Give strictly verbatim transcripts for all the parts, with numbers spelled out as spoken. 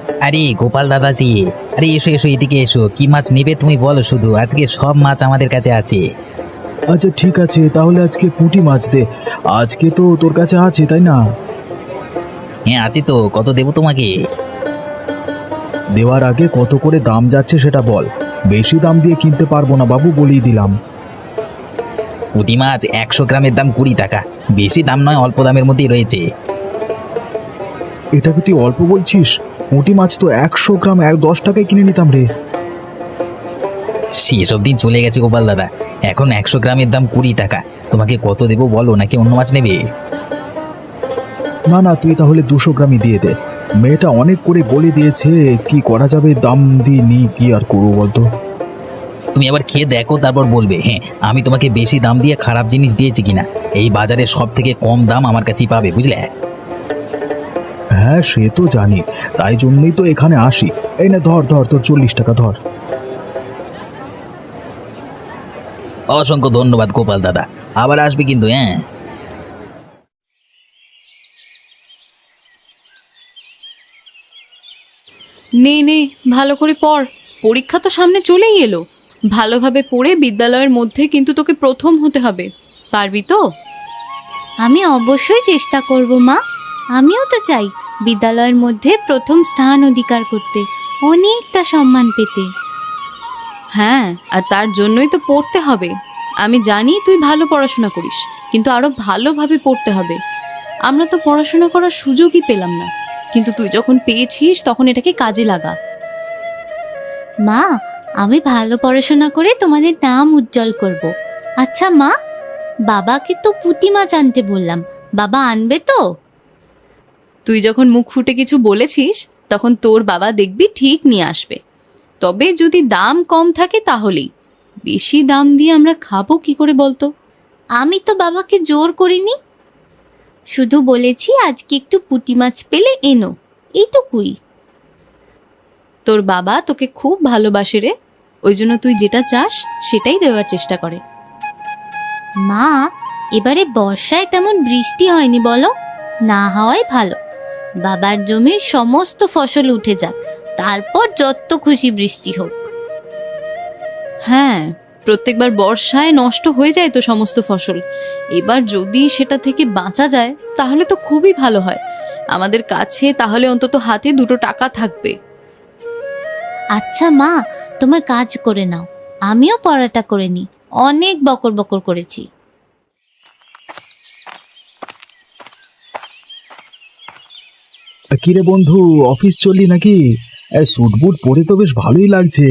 আরে গোপাল দাদাজি, আরে এসো এসো, এদিকে এসো। কি মাছ নেবে তুমি বলো শুধু, আজকে সব মাছ আমাদের কাছে আছে। আচ্ছা ঠিক আছে, তাহলে আজকে পুঁটি মাছ দে। আজকে তো তোর কাছে আছে তাই না? হ্যাঁ আছে তো, কত দেবো তোমাকে? দেওয়ার আগে কত করে দাম যাচ্ছে সেটা বল। বেশি দাম দিয়ে কিনতে পারবো না বাবু, বলেই দিলাম। পুঁটি মাছ একশো গ্রামের দাম কুড়ি টাকা। বেশি দাম নয়, অল্প দামের মধ্যেই রয়েছে। এটা কি তুই অল্প বলছিস? পুঁটি মাছ তো একশো গ্রাম এক দশ টাকায় কিনে নিতাম রে। সেসব দিন চলে গেছে গোপাল দাদা, এখন একশো গ্রামের দাম কুড়ি টাকা। তোমাকে কত দেবো বলো, নাকি অন্য মাছ নেবে? না না, তুই তাহলে দুশো গ্রামই দিয়ে দে। মেয়েটা অনেক করে বলে দিয়েছে, কি করা যাবে, দাম দিয়ে নি, কি আর করবো বলতো। তুমি আবার খেয়ে দেখো, তারপর বলবে হ্যাঁ আমি তোমাকে বেশি দাম দিয়ে খারাপ জিনিস দিয়েছি কিনা। এই বাজারে সব থেকে কম দাম আমার কাছেই পাবে, বুঝলে? হ্যাঁ সে তো জানি, তাই জন্যই তো এখানে আসি। এই না ধর ধর, তোর চল্লিশ টাকা ধর। অসংখ্য ধন্যবাদ গোপাল দাদা, আবার আসবে কিন্তু, হ্যাঁ। নে নে, ভালো করে পড়। পরীক্ষা তো সামনে চলেই এলো। ভালোভাবে পড়ে বিদ্যালয়ের মধ্যে কিন্তু তোকে প্রথম হতে হবে। পারবি তো? আমি অবশ্যই চেষ্টা করব মা। আমিও তো চাই বিদ্যালয়ের মধ্যে প্রথম স্থান অধিকার করতে, অনেকটা সম্মান পেতে। হ্যাঁ, আর তার জন্যই তো পড়তে হবে। আমি জানি তুই ভালো পড়াশোনা করিস, কিন্তু আরো ভালোভাবে পড়তে হবে। আমরা তো পড়াশোনা করার সুযোগই পেলাম না, কিন্তু তুই যখন পেয়েছিস তখন এটাকে কাজে লাগা। মা, আমি ভালো পড়াশোনা করে তোমাদের নাম উজ্জ্বল করব। আচ্ছা মা, বাবাকে তো পুঁটি মাছ আনতে বললাম, বাবা আনবে তো? তুই যখন মুখ ফুটে কিছু বলেছিস তখন তোর বাবা দেখবি ঠিক নিয়ে আসবে। তবে যদি দাম কম থাকে তাহলেই। বেশি দাম দিয়ে আমরা খাবো কি করে বলতো? আমি তো বাবাকে জোর করিনি, শুধু বলেছি আজকে একটু পুঁটি মাছ পেলে এনো, এইটুকুই। তোর বাবা তোকে খুব ভালোবাসে রে, ওই জন্য তুই যেটা চাস সেটাই দেওয়ার চেষ্টা করে। মা, এবারে বর্ষায় তেমন বৃষ্টি হয়নি বলো, না হওয়াই ভালো। বাবার জমির সমস্ত ফসল উঠে যাক, তারপর যত খুশি বৃষ্টি হোক। হ্যাঁ, প্রত্যেকবার বর্ষায় নষ্ট হয়ে যায় তো সমস্ত ফসল। এবার যদি সেটা থেকে বাঁচা যায় তাহলে তো খুবই ভালো হয়। আমাদের কাছে তাহলে অন্তত হাতে দুটো টাকা থাকবে। আচ্ছা মা, তোমার কাজ করে নাও, আমিও পড়াটা করে নি। অনেক বকর বকর করেছি। কিরে বন্ধু, অফিস চললি নাকি? স্যুট বুট পরে তো বেশ ভালোই লাগছে।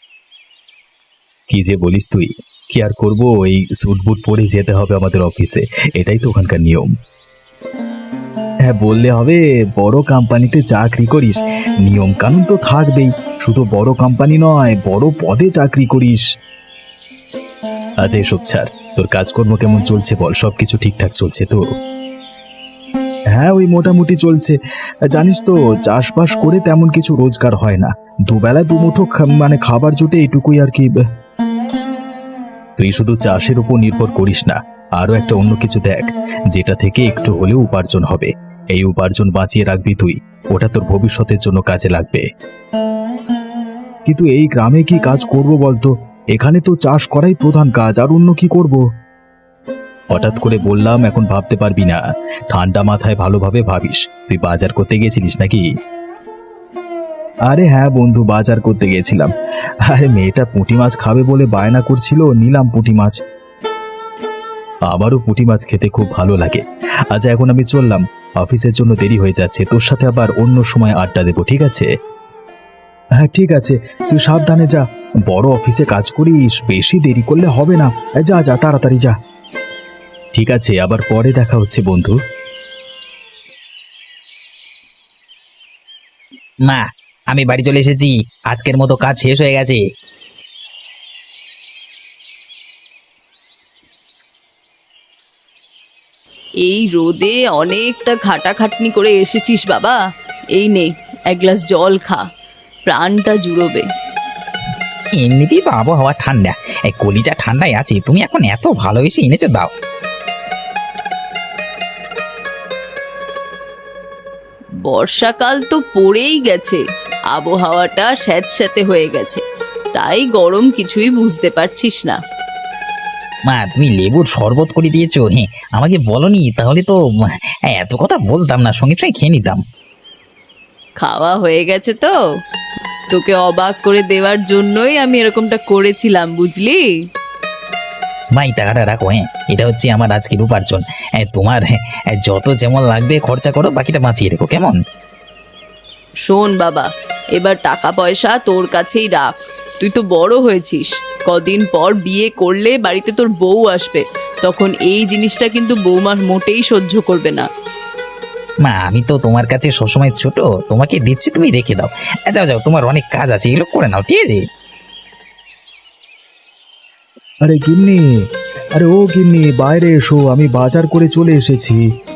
কি যে বলিস তুই, কি আর করবো, এই স্যুট বুট পরে যেতে হবে আমাদের অফিসে, এটাই তো ওখানকার নিয়ম। হ্যাঁ বললে হবে, বড় কোম্পানিতে চাকরি করিস, নিয়ম কানুন তো থাকবেই। শুধু বড় কোম্পানি নয়, বড় পদে চাকরি করিস। আচ্ছা এসব ছাড়, তোর কাজকর্ম কেমন চলছে বল, সবকিছু ঠিকঠাক চলছে তো? হ্যাঁ ওই মোটামুটি চলছে। জানিস তো, চাষবাস করে তেমন কিছু রোজগার হয় না, দুবেলা দুমুঠো খা- মানে খাবার জুটে, এইটুকুই আর কি। তুই শুধু চাষের উপর নির্ভর করিস না, আরো একটা অন্য কিছু দেখ, যেটা থেকে একটু হলেও উপার্জন হবে। এই উপার্জন বাঁচিয়ে রাখবি তুই, ওটা তোর ভবিষ্যতের জন্য কাজে লাগবে। কিন্তু এই গ্রামে কি কাজ করব বলতো? এখানে তো চাষ করাই প্রধান কাজ, আর অন্য কি করব? হঠাৎ করে বললাম, এখন ভাবতে পারবি না। ঠান্ডা মাথায় ভালোভাবে ভাবিস। তুই বাজার করতে গেছিলিস নাকি? আরে হ্যাঁ বন্ধু, বাজার করতে গেছিলাম। আরে মেয়েটা পুঁটি মাছ খাবে বলে বায়না করছিল, নিলাম পুঁটি মাছ। আমারও পুঁটি মাছ খেতে খুব ভালো লাগে। আচ্ছা এখন আমি চললাম, অফিসের জন্য দেরি হয়ে যাচ্ছে। তোর সাথে আবার অন্য সময় আড্ডা দেবো, ঠিক আছে? হ্যাঁ ঠিক আছে, তুই সাবধানে যা। বড় অফিসে কাজ করিস, বেশি দেরি করলে হবে না। যা যা, তাড়াতাড়ি যা। ঠিক আছে, আবার পরে দেখা হচ্ছে বন্ধু। মা, আমি বাড়ি চলে এসেছি, আজকের মতো কাজ শেষ হয়ে গেছে। এই রোদে অনেকটা খাটাখাটনি করে এসেছিস বাবা। এই নে, এক গ্লাস জল খা, প্রাণটা জুড়োবে। এমনিতেই তো আবহাওয়া ঠান্ডা, এই কলিজা ঠান্ডায় আছে, তুমি এখন এত ভালোবেসে এনেছো, দাও। বর্ষাকাল তো পড়েই গেছে, আবহাওয়াটা স্যাঁতস্যাঁতে হয়ে গেছে, তাই গরম কিছুই বুঝতে পারছিস না। মা তুমি লেবুর শরবত করে দিয়েছো, হ্যাঁ আমাকে বলনি, তাহলে তো উম, এত কথা বলতাম না, সঙ্গে সঙ্গে খেয়ে নিতাম। খাওয়া হয়ে গেছে তো, তোকে অবাক করে দেওয়ার জন্যই আমি এরকমটা করেছিলাম, বুঝলি? মা এই টাকাটা রাখো, হ্যাঁ এটা হচ্ছে আমার আজকের উপার্জন। হ্যাঁ, তোমার হ্যাঁ, যত যেমন লাগবে খরচা করো, বাকিটা বাঁচিয়ে রেখো, কেমন? শোন বাবা, এবার টাকা পয়সা তোর কাছেই রাখ। তুই তো বড় হয়েছিস, কদিন পর বিয়ে করলে বাড়িতে তোর বউ আসবে, তখন এই জিনিসটা কিন্তু বৌমা মোটেই সহ্য করবে না। মা আমি তো তোমার কাছে সবসময় ছোট, তোমাকে দিচ্ছি, তুমি রেখে দাও। যাও যাও, তোমার অনেক কাজ আছে, এগুলো করে নাও, ঠিক আছে? আরে গিন্নি, আরে ও গিন্নি, বাইরে এসো, আমি বাজার করে চলে এসেছি।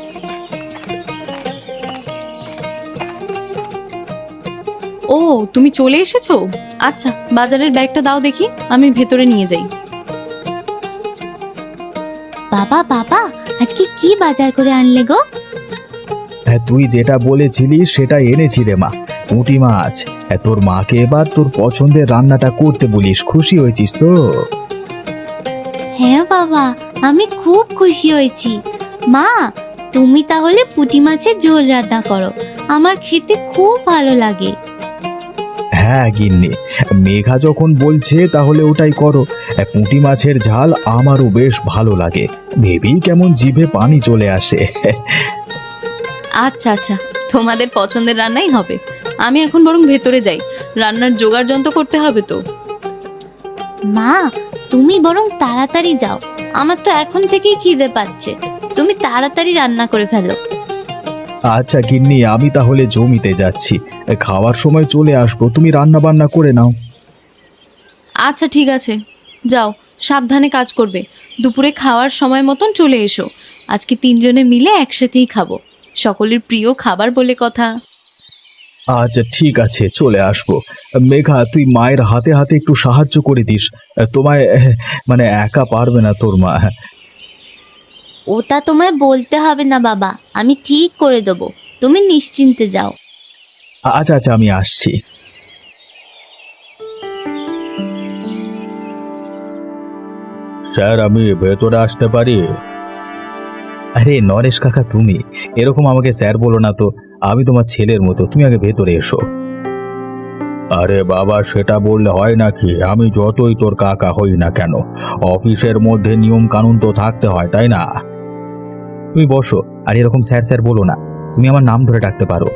ও তুমি চলে এসেছো? আচ্ছা, বাজারের ব্যাগটা দাও দেখি, আমি ভেতরে নিয়ে যাই। বাবা বাবা, আজকে কি বাজার করে আনলে গো? হ্যাঁ, তুই যেটা বলেছিলিস সেটা এনেছি রে মা, পুঁটি মাছ। হ্যাঁ, তোর মাকে এবার তোর পছন্দের রান্নাটা করতে বলিস, খুশি হয়েছিস তো? হ্যাঁ বাবা, আমি খুব খুশি হয়েছি। মা, তুমি তাহলে পুঁটি মাছের ঝোল রান্না করো, আমার খেতে খুব ভালো লাগে। হ্যাঁ গিন্নি, মেঘা যখন বলছে তাহলে ওটাই করো। হ্যাঁ, পুঁটি মাছের ঝাল আমারও বেশ ভালো লাগে, ভেবেই কেমন জিভে পানি চলে আসে। আচ্ছা আচ্ছা, তোমাদের পছন্দের রান্নাই হবে। আমি এখন বরং ভেতরে যাই, রান্নার জোগাড় যন্ত্র করতে হবে তো। মা, তুমি বরং তাড়াতাড়ি যাও, আমার তো এখন থেকেই খিদে পাচ্ছে। তুমি তাড়াতাড়ি রান্না করে ফেলো। আচ্ছা গিন্নি, আমি তাহলে জমিতে যাচ্ছি, খাওয়ার সময় চলে আসবো, তুমি রান্না বান্না করে নাও। আচ্ছা ঠিক আছে, যাও, সাবধানে কাজ করবে। দুপুরে খাওয়ার সময় মতন চলে এসো, আজকে তিনজনে মিলে একসাথেই খাবো, সকলের প্রিয় খাবার বলে কথা। আচ্ছা ঠিক আছে, চলে আসবো। মেঘা, তুই মায়ের হাতে হাতে একটু সাহায্য করে দিস, তোমায় এহ, মানে একা পারবে না তোর মা। ওটা তোমায় বলতে হবে না বাবা, আমি ঠিক করে দেবো, তুমি নিশ্চিন্তে যাও। আচ্ছা আচ্ছা, আমি আসছি। স্যার, আমি ভেতরে আসতে পারি? আরে নরেশ কাকা, তুমি এরকম আমাকে স্যার বলো না তো, আমি তোমার ছেলের মতো, তুমি আগে ভেতরে এসো। আরে বাবা, সেটা বললে হয় নাকি? আমি যতই তোর কাকা হই না কেন, অফিসের মধ্যে নিয়ম কানুন তো থাকতে হয়, তাই না? তুমি বসো, আর এরকম স্যার স্যার বলো না, তুমি আমার নাম ধরে ডাকতে পারো।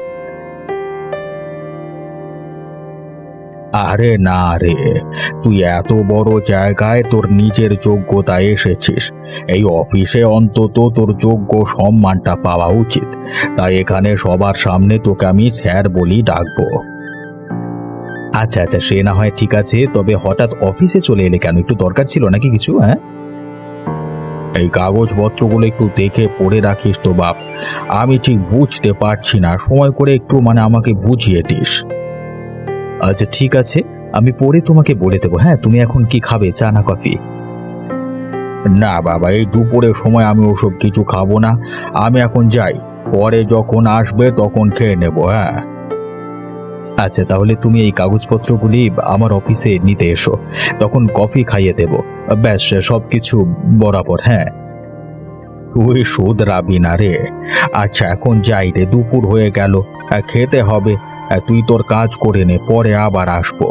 আরে না রে, তুই এত বড় জায়গায় তোর নিজের যোগ্যতা এসেছিস, এই অফিসে অন্তত তোর যোগ্য সম্মানটা পাওয়া উচিত, তাই এখানে সবার সামনে তোকে আমি স্যার বলি ডাকবো। আচ্ছা আচ্ছা, সে না হয় ঠিক আছে, তবে হঠাৎ অফিসে চলে এলে কেন? একটু দরকার ছিল নাকি কিছু? হ্যাঁ, এই কাগজপত্রগুলো একটু দেখে পড়ে রাখিস তো বাপ, আমি ঠিক বুঝতে পারছি না, সময় করে একটু মানে আমাকে বুঝিয়ে দিস। আচ্ছা ঠিক আছে, আমি পড়ে তোমাকে বলে দেবো। হ্যাঁ, তুমি এখন কি খাবে, চা না কফি? না বাবা, এই দুপুরের সময় আমি ওসব কিছু খাবো না, আমি এখন যাই, পরে যখন আসবে তখন খেয়ে নেব। হ্যাঁ আচ্ছা, তাহলে তুমি এই কাগজপত্রগুলি আমার অফিসে নিতে এসো, তখন কফি খাইয়ে দেব, ব্যাস সব কিছু বরাবর। হ্যাঁ, তুই শুধরাবি না রে। আচ্ছা এখন যাই রে, দুপুর হয়ে গেল, খেতে হবে, তুই তোর কাজ করে নে, পরে আবার আসবো।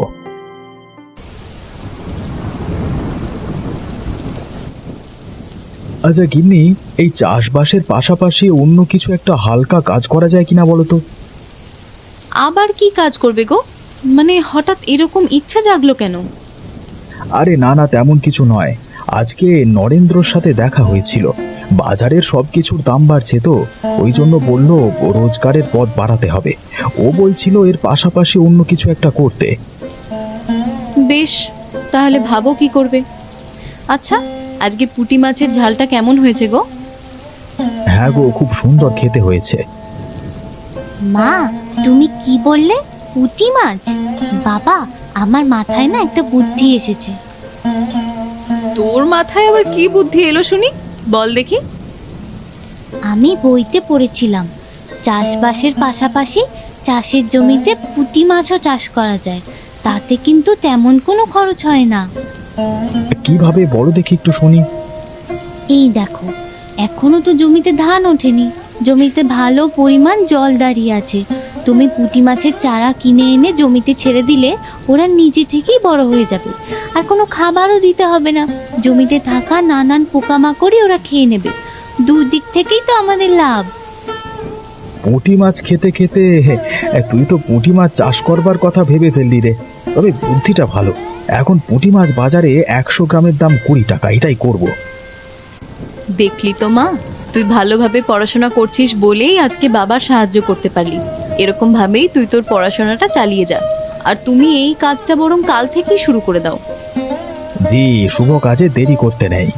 আচ্ছা গিন্নি, এই চাষবাসের পাশাপাশি অন্য কিছু একটা হালকা কাজ করা যায় কিনা বলো তো? আবার কি কাজ করবে গো? মানে হঠাৎ এরকম ইচ্ছা জাগলো কেন? আরে না না, তেমন কিছু নয়, আজকে নরেন্দ্রর সাথে দেখা হয়েছিল, বাজারের সব কিছুর দাম বাড়ছে তো, ওই জন্য বলল রোজগারের পথ বাড়াতে হবে, ও বলছিল এর পাশাপাশি অন্য কিছু একটা করতে। বেশ, তাহলে ভাবো কি করবে। আচ্ছা, আজকে পুঁটি মাছের ঝালটা কেমন হয়েছে গো? হ্যাঁ গো, খুব সুন্দর খেতে হয়েছে। মা, তুমি কি বললে? পুঁটি মাছ? বাবা, আমার মাথায় না একটা বুদ্ধি এসেছে। তোর মাথায় আবার কি বুদ্ধি এলো শুনি, বল দেখি। আমি বইতে পড়েছিলাম চাষবাসের পাশাপাশি চাষের জমিতে পুঁটি মাছও চাষ করা যায়, তাতে কিন্তু তেমন কোনো খরচ হয় না। কিভাবে বলো দেখি একটু শুনি। এই দেখো, এখনো তো জমিতে ধান ওঠেনি, জমিতে ভালো পরিমাণ জল দাঁড়িয়ে আছে। তুমি পুঁটি মাছের চারা কিনে এনে জমিতে ছেড়ে দিলে ওরা নিজে থেকেই বড় হয়ে যাবে, আর কোনো খাবারও দিতে হবে না। জমিতে থাকা নানান পোকামাকড়ই ওরা খেয়ে নেবে। দুদিক থেকেই তো আমাদের লাভ। পুঁটি মাছ খেতে খেতে এ, তুই তো পুঁটি মাছ চাষ করবার কথা ভেবে ফেললি রে। তবে বুদ্ধিটা ভালো। এখন পুঁটি মাছ বাজারে একশো গ্রামের দাম কুড়ি টাকা, এটাই করব। দেখলি তো মা, তুই ভালোভাবে পড়াশোনা করছিস বলেই আজকে বাবার সাহায্য করতে পারলি। এরকম ভাবেই তুই তোর পড়াশোনাটা চালিয়ে যা, আর তুমি এই কাজটা বরং কাল থেকেই শুরু করে দাও। জি, শুভ কাজে দেরি করতে নেই।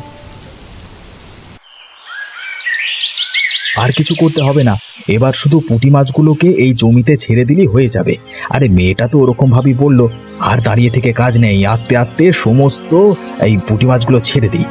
আর কিছু করতে হবে না, এবার শুধু পুঁটি মাছগুলোকে এই জমিতে ছেড়ে দিলেই হয়ে যাবে। আরে মেয়েটা তো ওরকম ভাবেই বললো, আর দাঁড়িয়ে থেকে কাজ নেই, আস্তে আস্তে সমস্ত এই পুঁটি মাছগুলো ছেড়ে দিই।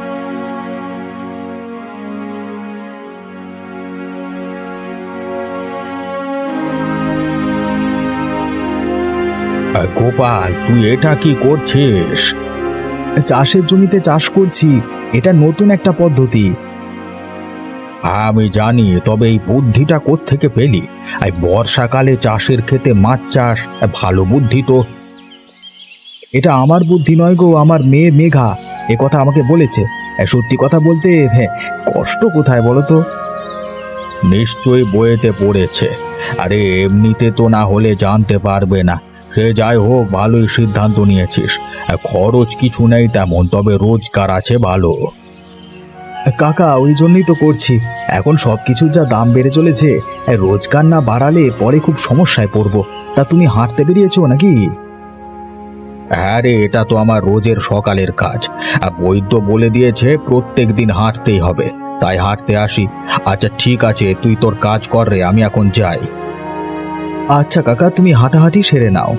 গোপাল, তুই এটা কি করছিস? চাষের জমিতে চাষ করছি, এটা নতুন একটা পদ্ধতি। আমি জানি, তবে এই বুদ্ধিটা কোত্থেকে পেলি? এই বর্ষাকালে চাষের ক্ষেতে মাছ চাষ, ভালো বুদ্ধি তো। এটা আমার বুদ্ধি নয় গো, আমার মেয়ে মেঘা এ কথা আমাকে বলেছে। সত্যি কথা বলতে হ্যাঁ, কষ্ট কোথায় বলো তো? নিশ্চয়ই বইয়েতে পড়েছে। আরে এমনিতে তো না হলে জানতে পারবে না। সে যাই হোক, ভালোই সিদ্ধান্ত নিয়েছিস। খরচ কিছু নেই তেমন, তবে রোজগার আছে ভালো। কাকা, ওই জন্যই তো করছি। এখন সব কিছুর যা দাম বেড়ে চলেছে, রোজগার না বাড়ালে পরে খুব সমস্যায় পড়ব। তা তুমি হাঁটতে বেরিয়েছো নাকি? হ্যাঁ রে, এটা তো আমার রোজের সকালের কাজ। আর বৈদ্য বলে দিয়েছে প্রত্যেক দিন হাঁটতেই হবে, তাই হাঁটতে আসি। আচ্ছা ঠিক আছে, তুই তোর কাজ কর রে, আমি এখন যাই। আচ্ছা কাকা, তুমি হাঁটাহাঁটি সেরে নাও।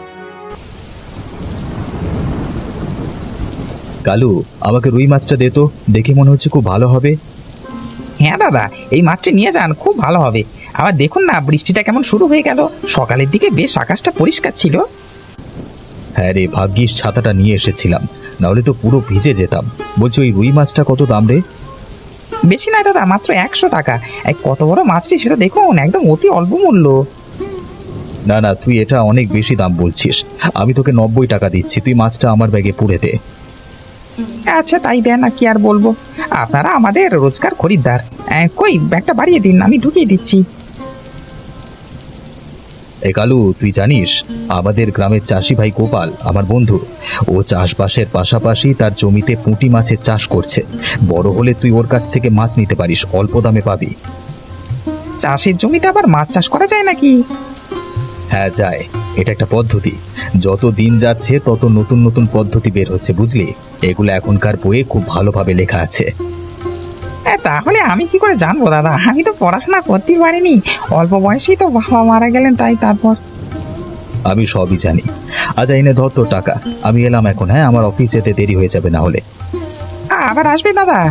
কালু, আমাকে রুই মাছটা দে তো, দেখে মনে হচ্ছে খুব ভালো হবে। হ্যাঁ দাদা, এই মাছটি নিয়ে যান, খুব ভালো হবে। আবার দেখুন না, বৃষ্টিটা কেমন শুরু হয়ে গেল। সকালের দিকে বেশ আকাশটা পরিষ্কার ছিল। হ্যাঁ রে, ভাগ্যিস ছাতাটা নিয়ে এসেছিলাম, নাহলে তো পুরো ভিজে যেতাম। বলছি, ওই রুই মাছটা কত দাম রে? বেশি নয় দাদা, মাত্র একশো টাকা। এক কত বড় মাছটি সেটা দেখুন, একদম অতি অল্প মূল্য। না না, তুই এটা অনেক বেশি দাম বলছিস। আমি তোকে নব্বই টাকা দিচ্ছি, তুই মাছটা আমার ব্যাগে পুরে দে। আচ্ছা তাই দেন, না কি আর বলবো, আপনারা আমাদের রোজকার খরিদ্দার। আহ, কই ব্যাগটা বাড়িয়ে দিন, আমি ঢুকিয়ে দিচ্ছি। এ কালু, তুই জানিস আমাদের গ্রামের চাষি ভাই গোপাল আমার বন্ধু, ও চাষবাসের পাশাপাশি তার জমিতে পুঁটি মাছের চাষ করছে। বড় হলে তুই ওর কাছ থেকে মাছ নিতে পারিস, অল্প দামে পাবি। চাষের জমিতে আবার মাছ চাষ করা যায় নাকি? হ্যাঁ যায়, এটা একটা পদ্ধতি। যত দিন যাচ্ছে তত নতুন নতুন পদ্ধতি বের হচ্ছে, বুঝলি? এগুলো এখনকার বইয়ে খুব ভালোভাবে লেখা আছে। হ্যাঁ, তাহলে আমি কি করে জানবো দাদা, আমি তো পড়াশোনা করতেই পারিনি। অল্প বয়সেই তো বাবা মারা গেলেন, তাই তারপর। আমি সবই জানি। আচ্ছা এনে ধর তোর টাকা, আমি এলাম এখন। হ্যাঁ, আমার অফিস যেতে দেরি হয়ে যাবে না হলে। আ, আবার আসবে দাদা?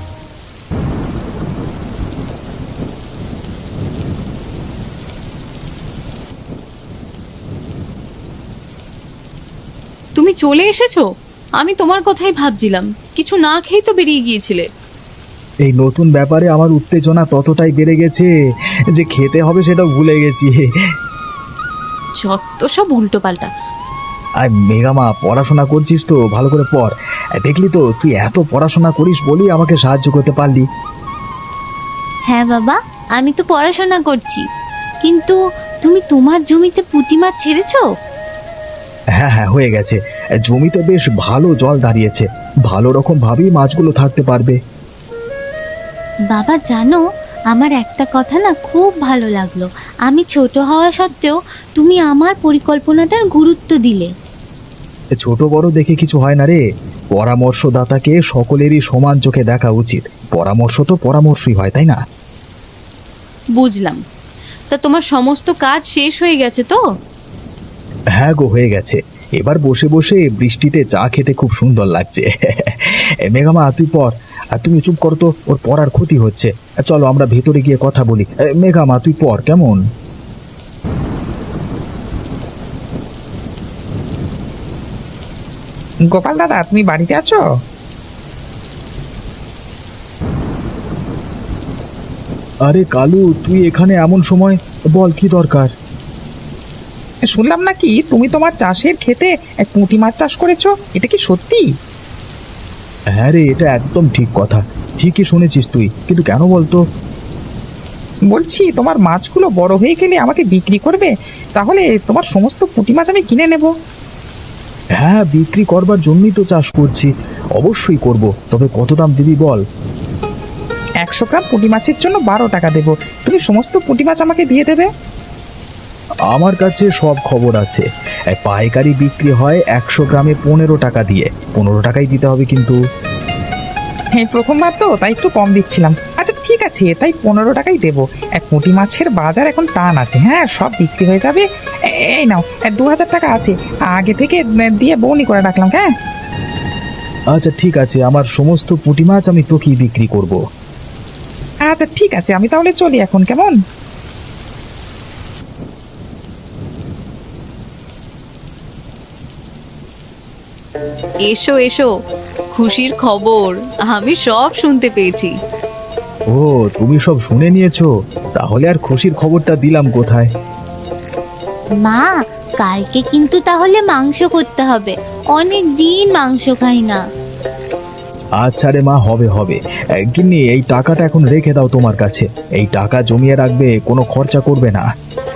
তুমি চলে এসেছো? আমি তোমার কথাই ভাবছিলাম, কিছু না খেয়েই তো বেরিয়ে গিয়েছিলে। এই নতুন ব্যাপারে আমার উত্তেজনা ততটাই বেড়ে গেছে যে খেতে হবে সেটাও ভুলে গেছি। যত সব উল্টো পাল্টা। আর মেঘামা, পড়াশোনা করছিস তো? ভালো করে পড়। দেখলি তো, তুই এত পড়াশোনা করিস বলেই আমাকে সাহায্য করতে পারলি। হ্যাঁ বাবা, আমি তো পড়াশোনা করছি, কিন্তু তুমি তোমার জমিতে পুঁটি মাছ ছেড়েছো? হ্যাঁ হ্যাঁ, হয়ে গেছে। জমিতে বেশ ভালো জল দাঁড়িয়েছে, ভালো রকম ভাবেই মাছগুলো থাকতে পারবে। বাবা জানো, আমার একটা কথা না খুব ভালো লাগলো। আমি ছোট হওয়া সত্ত্বেও তুমি আমার পরিকল্পনাটার গুরুত্ব দিলে। ছোট বড় দেখে কিছু হয় না রে, পরামর্শদাতাকে সকলেরই সমান চোখে দেখা উচিত। পরামর্শ তো পরামর্শই হয়, তাই না? বুঝলাম। তা তোমার সমস্ত কাজ শেষ হয়ে গেছে তো? হ্যাঁ গো, হয়ে গেছে। এবার বসে বসে বৃষ্টিতে চা খেতে খুব সুন্দর লাগছে। এ, মেঘামা তুই পড়, আর তুমি চুপ করো তো, ওর পড়ার ক্ষতি হচ্ছে। চলো আমরা ভেতরে গিয়ে কথা বলি। এ, মেঘামা তুই পড়, কেমন? গোপাল দাদা, তুমি বাড়িতে আছো? আরে কালু, তুই এখানে এমন সময়? বল কি দরকার? শুনলাম নাকি তুমি তোমার চাষের ক্ষেতে এক পুঁটি মাছ চাষ করেছো, এটা কি সত্যি? হ্যাঁ রে, এটা একদম ঠিক কথা। ঠিকই শুনেছিস তুই, কিন্তু কেন বলতো? বলছি তোমার মাছগুলো বড় হয়ে গেলে আমাকে বিক্রি করবে, তাহলে তোমার সমস্ত পুঁটি মাছ আমি কিনে নেব। হ্যাঁ, বিক্রি করবার জন্যই তো চাষ করছি। অবশ্যই করব, তবে কত দাম দিবি বল? একশো গ্রাম পুঁটি মাছের জন্য বারো টাকা দেবো, তুমি সমস্ত পুঁটি মাছ আমাকে দিয়ে দেবে। আমার কাছে সব খবর আছে। এই পাইকারি বিক্রি হয় একশো গ্রামে পনেরো টাকা দিয়ে। পনেরো টাকাই দিতে হবে কিন্তু। হ্যাঁ, প্রথমবার তো তাই একটু কম দিচ্ছিলাম। আচ্ছা ঠিক আছে, তাই পনেরো টাকাই দেবো। এক পুঁটি মাছের বাজার এখন টান আছে, হ্যাঁ সব বিক্রি হয়ে যাবে। এ- এই নাও, দু হাজার টাকা আছে, আগে থেকে দিয়ে বউনি করে রাখলাম। হ্যাঁ আচ্ছা ঠিক আছে, আমার সমস্ত পুঁটি মাছ আমি তোকেই বিক্রি করব। আচ্ছা ঠিক আছে, আমি তাহলে চলি এখন, কেমন? এসো এসো, খুশির খবর আমি সব শুনতে পেয়েছি। ও, তুমি সব শুনে নিয়েছো? তাহলে আর খুশির খবরটা দিলাম কোথায়? মা, কালকে কিন্তু তাহলে মাংস করতে হবে। অনেক দিন মাংস খাই না। আচ্ছা রে মা, হবে হবে। গিন্নি, এই টাকাটা এখন রেখে দাও তোমার কাছে। এই টাকা জমিয়ে রাখবে, কোনো খরচা করবে না।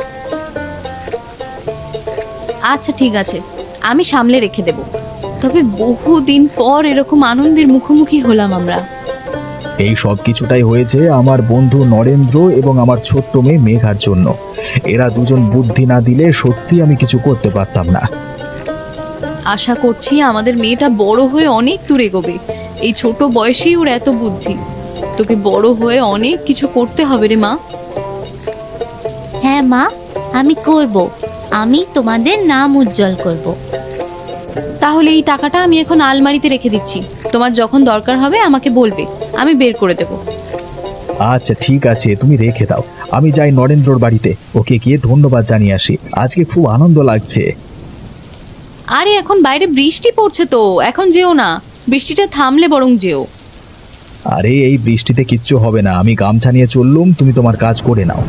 আচ্ছা ঠিক আছে, আমি সামলে রেখে দেব। তবে বহুদিন পর এরকম আনন্দের মুখোমুখি হলাম আমরা। এই সব কিছুটাই হয়েছে আমার বন্ধু নরেন্দ্র এবং আমার ছোট্ট মেয়ে মেঘার জন্য। এরা দুজন বুদ্ধি না দিলে সত্যি আমি কিছু করতে পারতাম না। আশা করছি আমাদের মেয়েটা বড় হয়ে অনেক দূর এগোবে। এই ছোট বয়সেই ওর এত বুদ্ধি। তোকে বড় হয়ে অনেক কিছু করতে হবে রে মা। হ্যাঁ মা, আমি করব। আমি তোমাদের নাম উজ্জ্বল করব। তাহলে এই টাকাটা আমি এখন আলমারিতে রেখে দিচ্ছি। তোমার যখন দরকার হবে আমাকে বলবে, আমি বের করে দেব। আচ্ছা ঠিক আছে, তুমি রেখে দাও। আমি যাই নরেন্দ্রর বাড়িতে, ওকে গিয়ে ধন্যবাদ জানিয়ে আসি। আজকে খুব আনন্দ লাগছে। আরে এখন বাইরে বৃষ্টি পড়ছে তো, এখন যেও না, বৃষ্টিটা থামলে বরং যেও। আরে এই বৃষ্টিতে কিচ্ছু হবে না, আমি গামছা নিয়ে চললুম, তুমি তোমার কাজ করে নাও।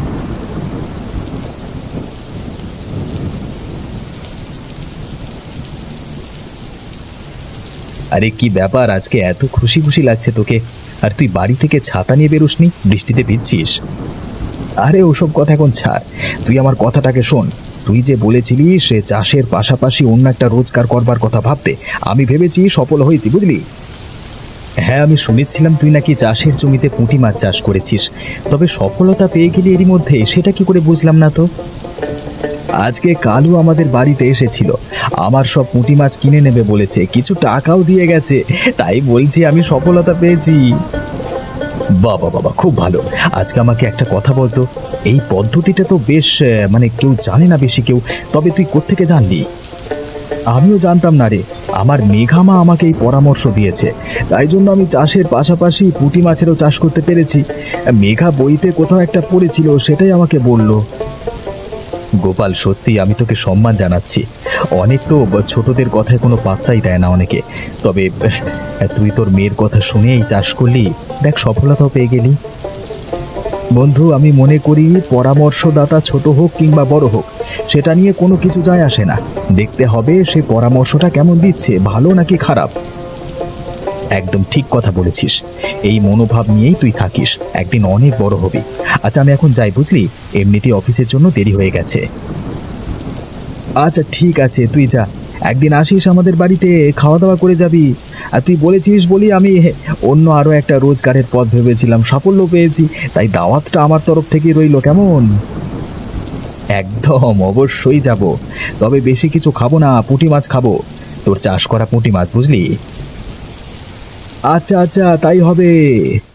আরে কি ব্যাপার, আজকে এত খুশি খুশি লাগছে তোকে? আর তুই বাড়ি থেকে ছাতা নিয়ে বেরোসনি, বৃষ্টিতে ভিজছিস? আরে ওসব কথা এখন ছাড়, তুই আমার কথাটাকে শোন। তুই যে বলেছিলি সে চাষের পাশাপাশি অন্য একটা রোজগার করবার কথা ভাবতে, আমি ভেবেছি সফল হয়েছি, বুঝলি? হ্যাঁ, আমি শুনেছিলাম তুই নাকি চাষের জমিতে পুঁটি মাছ চাষ করেছিস। তবে সফলতা পেয়ে গেলি এরই মধ্যে, সেটা কি করে বুঝলাম না তো। আজকে কালু আমাদের বাড়িতে এসেছিল, আমার সব পুঁটি মাছ কিনে নেবে বলেছে, কিছু টাকাও দিয়ে গেছে। তাই বলছি আমি সফলতা পেয়েছি। বাবা বাবা, খুব ভালো। আজকে আমাকে একটা কথা বলতো, এই পদ্ধতিটা তো বেশ, আহ, মানে কেউ জানে না বেশি কেউ, তবে তুই কোত্থেকে জানলি? আমিও জানতাম না রে, আমার মেঘামা আমাকে এই পরামর্শ দিয়েছে। তাই জন্য আমি চাষের পাশাপাশি পুঁটি মাছেরও চাষ করতে পেরেছি। মেঘা বইতে কোথাও একটা পড়েছিল, সেটাই আমাকে বলল। গোপাল, সত্যি আমি তোকে সম্মান জানাচ্ছি। অনেক তো ছোটদের কথায় কোনো পাত্তাই দেয় না অনেকে, তবে আহ, তুই তোর মেয়ের কথা শুনেই চাষ করলি, দেখ সফলতাও পেয়ে গেলি। বন্ধু, আমি মনে করি পরামর্শদাতা ছোট হোক কিংবা বড় হোক, সেটা নিয়ে কোনো কিছু যায় আসে না। দেখতে হবে সে পরামর্শটা কেমন দিচ্ছে, ভালো নাকি খারাপ। একদম ঠিক কথা বলেছিস। এই মনোভাব নিয়েই তুই থাকিস, একদিন অনেক বড় হবি। আচ্ছা আমি এখন যাই, বুঝলি? এমনিতেই অফিসের জন্য দেরি হয়ে গেছে। আচ্ছা ঠিক আছে, তুই যা। একদিন আসিস আমাদের বাড়িতে, খাওয়া দাওয়া করে যাবি। আর তুই বলেছিস বলি আমি অন্য আরও একটা রোজগারের পথ ভেবেছিলাম, সাফল্য পেয়েছি। তাই দাওয়াতটা আমার তরফ থেকেই রইল, কেমন? একদম, অবশ্যই যাব। তবে বেশি কিছু খাবো না, পুঁটি মাছ খাবো, তোর চাষ করা পুঁটি মাছ, বুঝলি? আচ্ছা আচ্ছা, তাই হবে।